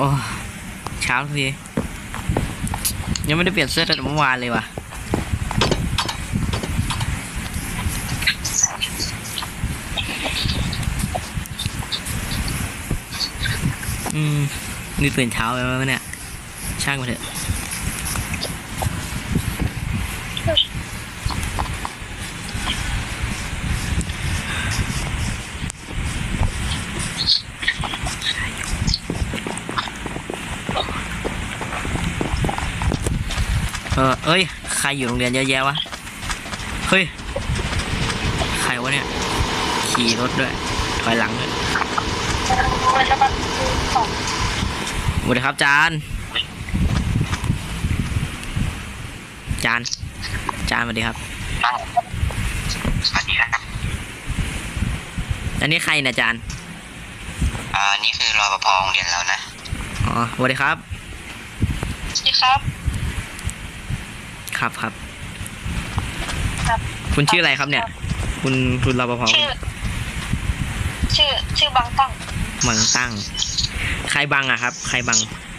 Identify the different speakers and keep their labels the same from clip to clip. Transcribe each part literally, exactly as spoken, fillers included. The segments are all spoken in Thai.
Speaker 1: อ้เช้าทียังไม่ได้เปลี่ยนเสื้อตั้งแต่เมื่อวานเลยว่ะอืมนี่ตื่นเช้าไปแล้วเนี่ยช่างมาเถอะเออเอ้ยใครอยู่โรงเรียนเยอะแยะวะเฮ้ยใครวะเนี่ยขี่รถด้วยถอยหลังด้วยสวัสดีครับจานจานจานสวัสดีครับ
Speaker 2: สวัสดีครับ
Speaker 1: อันนี้ใครนะจาน
Speaker 2: อ่านี่คือรปภโรงเรียนแล้วนะ
Speaker 1: อ๋อสวัสดีครับ
Speaker 3: สวัสดีครับ
Speaker 1: ครับครับ
Speaker 3: ครับ
Speaker 1: คุณชื่ออะไรครับเนี่ยคุณคุณรปภ
Speaker 3: ชื่อชื่อชื่อบังตั้ง
Speaker 1: บังตั้งใครบังอะครับใครบัง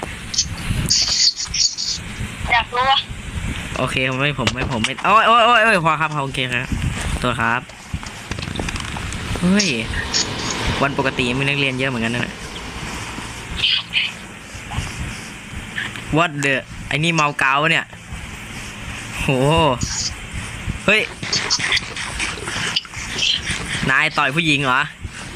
Speaker 3: อยากรู้วะ
Speaker 1: โอเคผมไม่ผมไม่ผมไม่โอ้ยโอ้ยโอ้ยโอ้ยพอครับพอโอเคครับตัวครับเฮ้ยวันปกติมีนักเรียนเยอะเหมือนกันนะวัดเดอะไอ้นี่เมาเกาเนี่ยโหเฮ้ยนายต่อยผู้หญิงเหรอ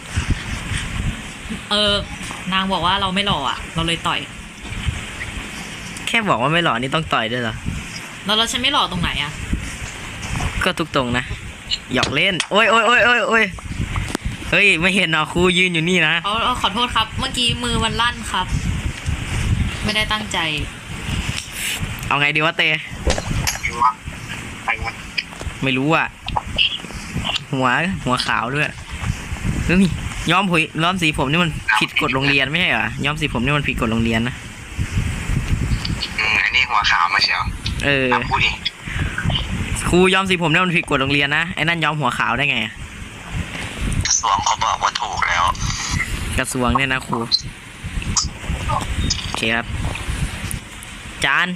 Speaker 4: เออนางบอกว่าเราไม่หล่ออ่ะเราเลยต่อย
Speaker 1: แค่บอกว่าไม่หล่อนี่ต้องต่อยด้วยเหรอ
Speaker 4: แล้วเราฉันไม่หล่อตรงไหนอ่ะ
Speaker 1: ก็ทุกตรงนะหยอกเล่นโอ้ยโอ้ยโอ้ยโอ้ยโอ้ยเฮ้ยไม่เห็นเหรอครูยืนอยู่นี่นะ
Speaker 4: เอาเอาขอโทษครับเมื่อกี้มือมันลั่นครับไม่ได้ตั้งใจ
Speaker 1: เอาไงดีวะเตไม่รู้อ่ะหัวหัวขาวด้วยเฮ้ยย้อมผมย้อมสีผมนี่มันผิดกฎโรงเรียนไม่ใช่เหรอย้อมสีผมนี่มันผิดกฎโรงเรียนนะ
Speaker 2: อืมอันนี้หัวขาวมาเชียว
Speaker 1: เออ
Speaker 2: พูดดิ
Speaker 1: ครูย้อมสีผมนี่มันผิดกฎโรงเรียนนะไอ้นั่นย้อมหัวขาวได้ไง
Speaker 2: กระทรวงเขาบอกว่าถูกแล้ว
Speaker 1: กระทรวงเนี่ยนะครูโอเคครับจาน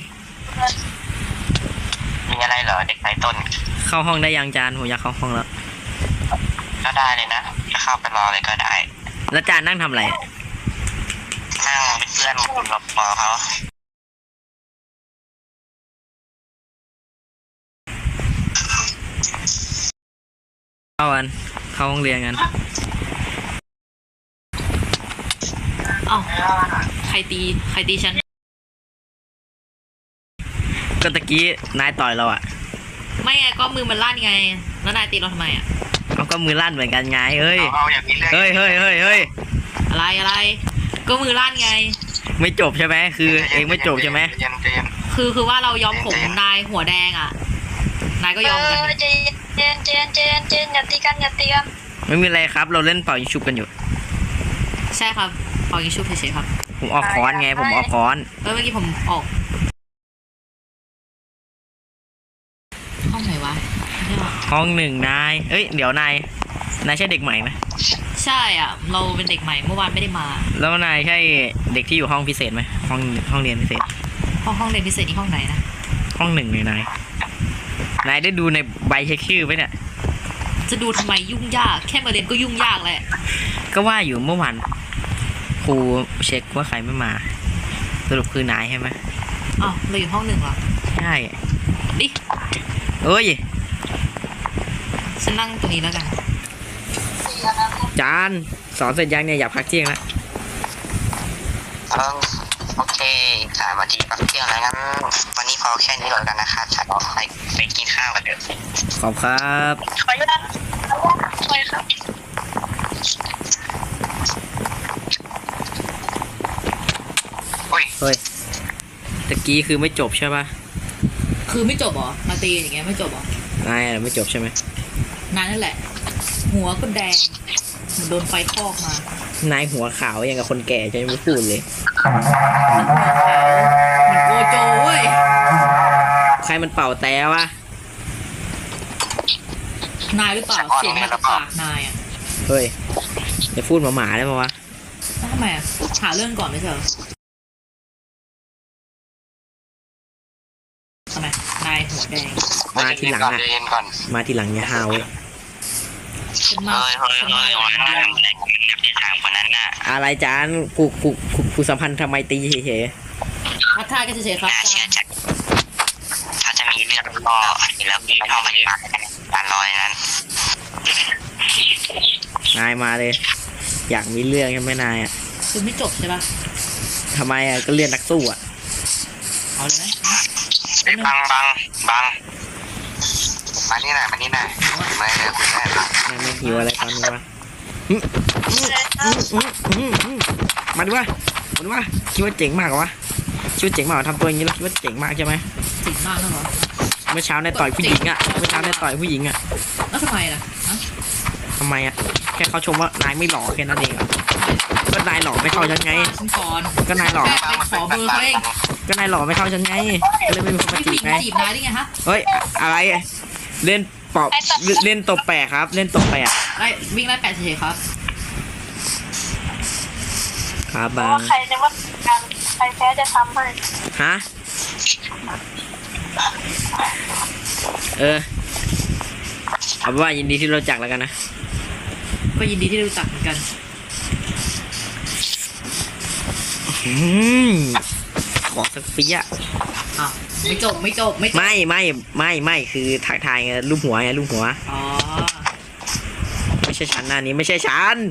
Speaker 2: มีอะไรเหรอเด็กชายต้น
Speaker 1: เข้าห้องได้ยังจานผมอยากเข้าห้องแล้ว
Speaker 2: ก็ได้เลยนะจะเข้าไปรอเลยก็ได้
Speaker 1: แล้วจานนั่งทำอะไร
Speaker 2: นั่งเป็นเพื่อนคุณรปภเขา
Speaker 1: เข้ากันเข้าห้องเรียนกัน
Speaker 4: เอ้าใครตีใครตีฉัน
Speaker 1: ก็ตะกี้นายต่อยเราอ่ะ
Speaker 4: ไม่ไงก็มือมันลั่นไงแล้วนายตีเราทำไมอ่ะ
Speaker 1: เอาก็มือลั่นเหมือนกันไงเฮ้ย
Speaker 2: เ
Speaker 1: ฮ้ยเฮ้ยเฮ้ยเฮ้ย
Speaker 4: อะไรอะไรก็มือลั่นไง
Speaker 1: ไม่จบใช่ไหมคือเองไม่จบใช่ไหม
Speaker 4: คือคือว่าเรายอมผมนายหัวแดงอ่ะนายก็ยอมกัน
Speaker 3: เจนเจนเจนเจนเจนอย่าตีกันอย่าตีกัน
Speaker 1: ไม่มีอะไรครับเราเล่นเป่ายิงชุบกันอยู่
Speaker 4: ใช่ครับเป่ายิงชุบเฉยๆครับ
Speaker 1: ผมออกค้อนไงผมออกค้อน
Speaker 4: เออเมื่อกี้ผมออกห้องไหนวะ
Speaker 1: ห้องหนึ่งนายเอ้ยเดี๋ยวนายนายใช่เด็กใหม่ไหม
Speaker 4: ใช่อ่ะเราเป็นเด็กใหม่เมื่อวานไม่ได้มา
Speaker 1: แล้วนายใช่เด็กที่อยู่ห้องพิเศษไหมห้องห้องเรียนพิเศษ
Speaker 4: ห้องห้องเรียนพิเศษนี่ห้องไหนนะ
Speaker 1: ห้องหนึ่งเลยนายนายได้ดูในใบเช็คชื่อไหมเนี่ย
Speaker 4: จะดูทำไมยุ่งยากแค่มาเรียนก็ยุ่งยากแหละ
Speaker 1: ก็ว่าอยู่เมื่อวานครูเช็คว่าใครไม่มาสรุปคือนายใช่ไหม
Speaker 4: อ๋อเราอยู่ห้องหนึ่งเหรอ
Speaker 1: ใช่
Speaker 4: ดิ
Speaker 1: เอ้ย
Speaker 4: ฉันนั่งตรงนี้แล้วกัน
Speaker 1: จานสอนเสร็จยังเนี่ยอยากพักเที่ยงแล้ว
Speaker 2: เออโอเคสามนาทีพักเที่ยงแล้วงั้นวันนี้พอแค่นี้ก่อนกันนะครับฉันออกไปไปกินข้าวกันเถอะ
Speaker 1: ขอบครับ
Speaker 3: ขออนุญาตไปครับ
Speaker 2: เฮ้ย
Speaker 1: เฮ้ยตะกี้คือไม่จบใช่ปะ
Speaker 4: คือไม่จบหรอมาตีอย่างเงี้ยไม่จบหรอน
Speaker 1: ายไม่จบใช่ไหม
Speaker 4: นายนั่นแหละหัวก็แดงเหมือนโดนไฟคอกมาน
Speaker 1: ายหัวขาวอย่างกับคนแก่จะไม่พูดเลย
Speaker 4: มันโกโจเว้ย
Speaker 1: ใครมันเป่าแต่วะ
Speaker 4: นายหรือเปล่าเสียงมาจากปากนายอ่ะ
Speaker 1: เฮ้ยจะพูดหมาๆได้ปะวะ
Speaker 4: ทำไมอ่ะหาเรื่องก่อนไม่ใช่เหรอทำไมนายหัวแดง
Speaker 1: มาทีหลัง
Speaker 2: ก่อน
Speaker 1: อะ
Speaker 2: เย็นก่อน
Speaker 1: มาทีหลังอย่าห้าวเว้ย
Speaker 4: ฉันมา
Speaker 2: เฮ้ยเฮ้ย
Speaker 4: ฉัน
Speaker 2: เฮ้
Speaker 4: มาย
Speaker 2: วัน
Speaker 4: คน
Speaker 2: นั้น
Speaker 4: เดียว
Speaker 2: ในกลุ่มนักเรียนสามคนนั้นน่ะ
Speaker 1: อะไรจานผูกผูกผูกผูกสัมพันธ์ทำไมตรีเฉย
Speaker 4: ทักทายกันเฉยๆครับ
Speaker 2: น่า
Speaker 4: อา
Speaker 2: เชื่อ
Speaker 4: จารย์
Speaker 2: ใจถ้าจะมีเรื่องก็แล้วมีห้องพยาบาลการลอยนั้น
Speaker 1: ๆนายมาเลย อยากมีเรื่องใช่ไหมนายอะ
Speaker 4: คือไม่จบใช่ปะ
Speaker 1: ทำไมอะก็เรียนนักสู้อะ
Speaker 4: เอาเลยไหม
Speaker 2: ไอ้บังบังบังมานี่หน่อยมานี่หน่อยไม่เลยคุยได้บัง
Speaker 1: นายไม่หิวอะไรตอนนี้วะหึหึหึหึหึมาดูวะมาดูวะคิดว่าเจ๋งมากเหรอวะคิดว่าเจ๋งมากเหรอทำตัวอย่างนี้แล้วคิดว่าเจ๋งมากใช่ไหม
Speaker 4: ติดมากแล้วเหรอ
Speaker 1: เมื่อเช้าในต่อยผู้หญิงอะเมื่อเช้าในต่อยผู้หญิงอะ
Speaker 4: แล้วทำไมล่ะฮะ
Speaker 1: ทำไมอะแค่เขาชมว่านายไม่หล่อแค่นั้นเองอะก็นายหล่อไม่เท่าฉันไง
Speaker 4: ว่าฉันก่อน
Speaker 1: ก็นายหล่อ
Speaker 4: แค่ไปขอเบอร์เขาเอง
Speaker 1: ก็นายหล่อไม่เท่าฉันไงก็เลยไม่มีคนมา
Speaker 4: ไม่ผู้
Speaker 1: จี
Speaker 4: หญิ
Speaker 1: บ
Speaker 4: ง
Speaker 1: ไง
Speaker 4: จีบนายได้ไงฮะ
Speaker 1: เฮ้ยอะไรเล่นปอบเล่นตบแปะครับ เล่นตบแปะ
Speaker 4: ไล่วิ่งไล่แปดเฉยๆครับ
Speaker 1: ครับ
Speaker 3: เพ
Speaker 1: บา
Speaker 3: ราะ
Speaker 1: ง
Speaker 3: ว่าใครจะว่าการใครแพ้จะทำให้
Speaker 1: ฮะเออเอาเป็นว่ายินดีที่รู้จักแล้วกันนะ
Speaker 4: ก็ยินดีที่ได้รู้จักเหมือนกัน
Speaker 1: อืมขอสักปีอะ
Speaker 4: อ้าวไม่จบไม่จบไม่จบ
Speaker 1: ไม่ไม่ไม่ไม่คือทักทายไงรูปหัวไงรูปหัว
Speaker 4: อ๋อ
Speaker 1: ไม่ใช่ฉันหน้านี้ไม่ใช่ฉัน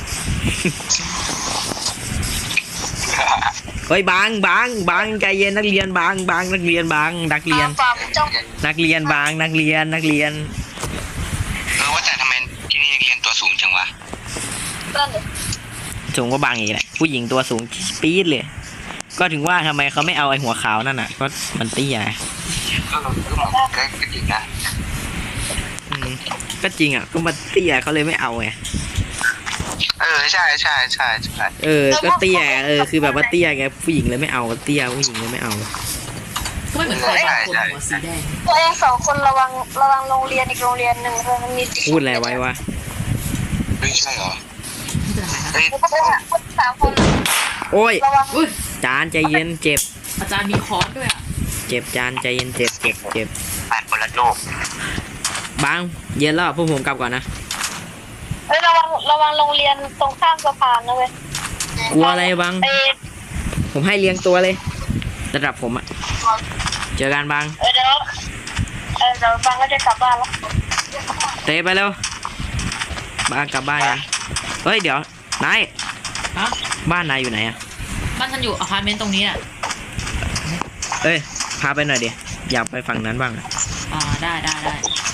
Speaker 1: เฮ้ยบางบางบางใจเย็นนักเรียนบางบางนักเรียนบางนักเรียน
Speaker 3: ฟาร์มเจ้า
Speaker 1: นักเรียนบางนักเรียนนักเรียน
Speaker 2: เออว่าแต่ทำไมที่นี่นักเรียนตัวสูงจังวะ
Speaker 3: เพื่อนเลย
Speaker 1: สูงกว่าบางอีกแหละผู้หญิงตัวสูงปี๊ดเลย ก็ถึงว่าทำไมเขาไม่เอาไอ้หัวขาวนั่นน่ะก็มันเตี้ย
Speaker 2: ก็เราก็มองใกล้ก็จริงนะ
Speaker 1: อืมก็จริงอ่ะก็มันเตี้ยเขาเลยไม่เอาไง
Speaker 2: เออใช่ใช่ใช่ใช่
Speaker 1: เออก็เตี้ยเออคือแบบว่าเตี้ยไงผู้หญิงเลยไม่เอาเตี้ยผู้หญิงเลยไม่เอา
Speaker 4: ก็ไม่เหมือนใครบางคนหัวสีแดง
Speaker 3: ตัวเองสองคนระวังระวังโรงเรียนอีกโรงเรียนหนึ่งมันมี
Speaker 1: พูดอะไรไว้วะ
Speaker 2: ไม่ใช่เหรอ
Speaker 4: ไม่เป็นไรครับ
Speaker 2: เฮ้ย
Speaker 3: แล้วก็เป็นสามคน
Speaker 1: โอ้ย
Speaker 3: ระวัง
Speaker 4: อุ้ย
Speaker 1: จานใจเย็นเจ็บ
Speaker 4: อาจารย์มีคอร์สด้วยอ่ะ
Speaker 1: เจ็บจานใจเย็นเจ็บเจ็บเจ็บ
Speaker 2: แปดคนละโลก
Speaker 1: บางเย็นแล้วพวกผมกลับก่อนนะ
Speaker 3: เฮ้ยระวังระวังโรงเรียนตรงข้ามสะพานนะเว้ย
Speaker 1: กลัวอะไรบาง
Speaker 3: เออ
Speaker 1: ผมให้เลี้ยงตัวเลยระดับผมอะเจอกันบาง
Speaker 3: เออเดี๋ยวเออเดี๋ยวฟังก็จะกลับบ้านแล้ว
Speaker 1: เตะไปแล้วบางกลับบ้านกันเฮ้ยเดี๋ยวนาย
Speaker 4: ฮะ
Speaker 1: บ้านนายอยู่ไหนอะ
Speaker 4: บ้านฉันอยู่อพาร์ตเมนต์ตรงนี้อ่ะ
Speaker 1: เอ้ยพาไปหน่อยดิอยากไปฝั่งนั้นบ้างอะ
Speaker 4: อ่าได้ได้ได้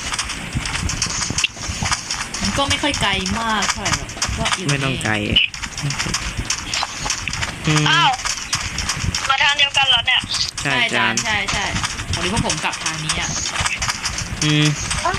Speaker 4: มันก็ไม่ค่อยไกลมากเท่าไหร่หรอกก็อยู่
Speaker 1: ไม่ต้องไกลอืม
Speaker 3: อ้าวมาทางเดียวกันเหรอเนี่ย
Speaker 1: ใช่
Speaker 4: ใช่
Speaker 1: จา
Speaker 4: จาน นใช่ใช่วันนี้พวกผมกลับทางนี้อ่ะ
Speaker 1: อืม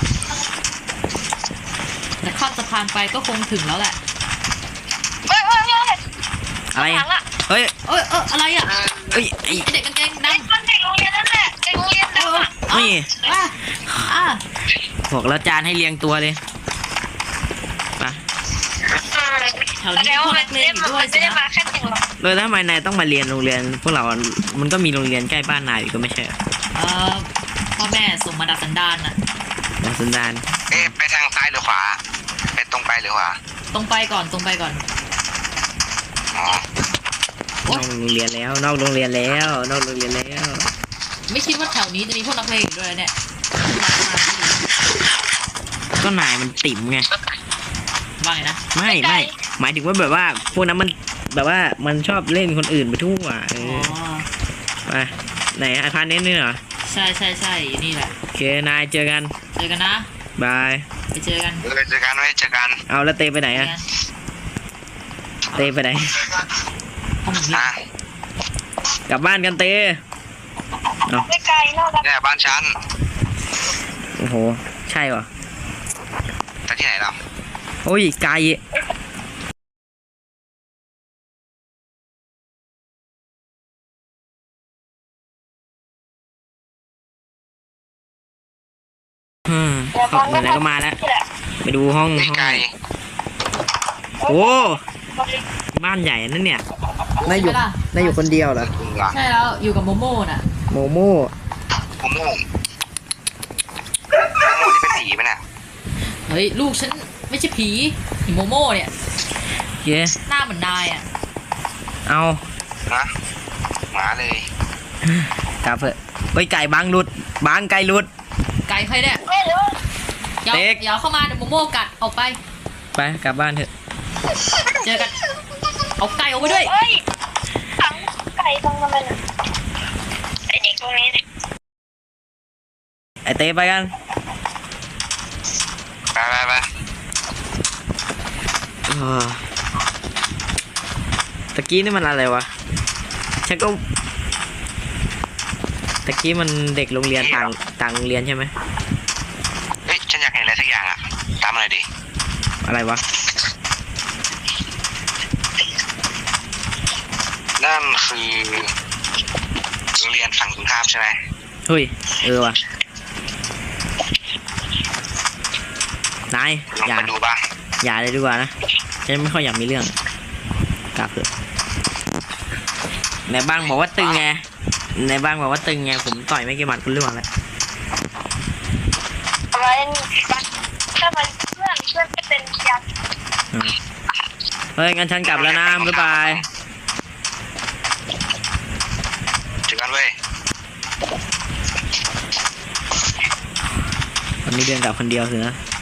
Speaker 4: แต่ข้ามสะพานไปก็คงถึงแล้วแหละ
Speaker 3: เฮ้ยเฮ้ยเฮ้ย
Speaker 1: อะไร
Speaker 3: หลั
Speaker 1: อะ
Speaker 3: งอะ
Speaker 1: เฮ้ย
Speaker 4: เอ้ยเอออะไรอ่ะ
Speaker 1: เอ้ยไอ้
Speaker 4: ไอ้เด็กกางเกง
Speaker 3: ไอ้
Speaker 4: ดำ
Speaker 3: คนเด็กโรงเรียนนั่นแหละเด็กโรงเรียน
Speaker 4: เอ
Speaker 3: ดำ
Speaker 4: อ
Speaker 3: อะ
Speaker 1: นี่
Speaker 4: อ่ะอ่ะ
Speaker 1: บอกแล้วจานให้เลี้ยงตัวเลยไป
Speaker 4: แถว
Speaker 3: แส
Speaker 4: นี้
Speaker 3: ดง
Speaker 4: พว
Speaker 3: ว่าก มั
Speaker 4: นั
Speaker 3: น
Speaker 4: ก
Speaker 3: ไม่
Speaker 4: เรียน
Speaker 3: ได้
Speaker 4: อยู่
Speaker 3: มา
Speaker 4: ด้วย
Speaker 3: มัน
Speaker 4: สิ
Speaker 3: ไม่ได้
Speaker 4: นะ
Speaker 3: มาแค่หนึ่งหรอก
Speaker 1: เลยแล้วทำไมนายต้องมาเรียนโรงเรียน พวกเรา มันก็มีโรงเรียนใกล้บ้านนายอยู่ก็ไม่ใช่เหรอ
Speaker 4: เออพ่อแม่ส่งมาดัดสันดานน่ะ
Speaker 1: มาสันดาน
Speaker 2: เอ๊ะไปทางซ้ายหรือขวาไปตรงไปหรือขวา
Speaker 4: ตรงไปก่อนตรงไปก่อน
Speaker 2: อ๋อน
Speaker 1: อกโรงเรียนแล้ว นอกโรงเรียนแล้ว นอกโรงเรียนแล้ว
Speaker 4: ไม่คิดว่าแถวนี้จะมีพวกนักเลงอยู่ด้วยเนี่ย
Speaker 1: ก็นายมันติ่มไง
Speaker 4: ว่าไงนะ
Speaker 1: ไม่ไม่หมายถึงว่าแบบว่า พวกนั้นมันแบบว่ามันชอบเล่นคนอื่นไปทั่วเอ
Speaker 4: อ๋อ
Speaker 1: อไปไหนอาคารเน้นนี่เหรอ
Speaker 4: ใช่ใช่ใช่นี่แหละ
Speaker 1: โอเคนายเจอกัน
Speaker 4: เจอกันนะ
Speaker 1: บาย
Speaker 4: ไปเจอกัน
Speaker 2: เออเจอกันไว้เจอกัน
Speaker 1: เอาแล้วเตไปไหน
Speaker 4: เจอ
Speaker 1: อะ
Speaker 4: กัน
Speaker 1: เตไปไหน
Speaker 4: ห้องนี้
Speaker 2: อ่ะ
Speaker 1: กลับบ้านกันเต
Speaker 3: ไม่ไกลนอกจาก
Speaker 2: เนี่ยบ้านฉัน
Speaker 1: โอ้โห ใช่ป่ะ
Speaker 2: แต่ที่ไหนเรา
Speaker 1: โอ้ยไกลอืม
Speaker 3: เดี๋ยว
Speaker 1: เข้า
Speaker 3: ฟัง
Speaker 1: ไหนๆก็มาแล้ว
Speaker 3: นี่แหละ
Speaker 1: ไปดูห้อง
Speaker 2: ไม่
Speaker 1: ห้อง
Speaker 2: ไกล
Speaker 1: โอ้บ้านใหญ่นั่นเนี่ยนายอยู่
Speaker 4: ใช่ปะล่ะ
Speaker 1: นายอยู่คนเดียวเหรอ
Speaker 2: คุณล่ะ
Speaker 4: ใช่แล้วอยู่กับโมโม่น่ะ
Speaker 1: โมโม่
Speaker 2: โมโม่โมโม่ที่เป็นผีไหมน่ะ
Speaker 4: เฮ้ยลูกฉันไม่ใช่ผีผีโมโม่เนี่ย
Speaker 1: เย้
Speaker 4: หน้าเหมือนนายอ่ะ
Speaker 1: เอา
Speaker 2: นะหมาเลย
Speaker 1: กลับเถอะเฮ้ยไก่บังหลุดบังไก่หลุด
Speaker 4: ไก่ใครเนี่ย
Speaker 3: เฮ้ยหรือว่า
Speaker 4: อย่า
Speaker 1: เด็ก
Speaker 4: อย่าเข้ามาเดี๋ยวโมโม่กัดออกไป
Speaker 1: ไปกลับบ้านเถอะ
Speaker 4: เจอกัน เอาไก่ออกไปด้วย
Speaker 3: เฮ้ยขังไก่ตรงนั้นน่ะไอเด็กตรงนี้เนี่ย
Speaker 1: ไอเต้ไปกัน
Speaker 2: ไปไปไป
Speaker 1: อ่าตะกี้นี่มันอะไรวะฉันก็ตะกี้มันเด็กโรงเรียนต่างต่างโรงเรียนใช่ไหม
Speaker 2: เฮ้ยฉันอยากเห็นอะไรสักอย่างอ่ะตามมาหน่อยดิ
Speaker 1: อะไรวะ
Speaker 2: นั่นคือโรงเรียนฝั่งตรงข้ามใช่ไหม
Speaker 1: เฮ้ยเออว่ะนาย
Speaker 2: ลอง
Speaker 1: อย่า
Speaker 2: ไปดูบ้าง
Speaker 1: อย่าเลยดีกว่านะฉันไม่ค่อยอยากมีเรื่องกลับเถอะในบ้างบอกว่าตึงไงในบ้างบอกว่าตึงไงผมต่อยไม่กี่หมัดคุณเรื่องอะไร
Speaker 3: อะไรถ้ามันเพื่อนเพื่อนจะเป็นยักษ์
Speaker 1: อืมเฮ้ยงั้นฉันกลับแล้วนะบ๊ายบาย
Speaker 2: เจอกันเว้ย
Speaker 1: วันนี้เดินกลับคนเดียวสินะ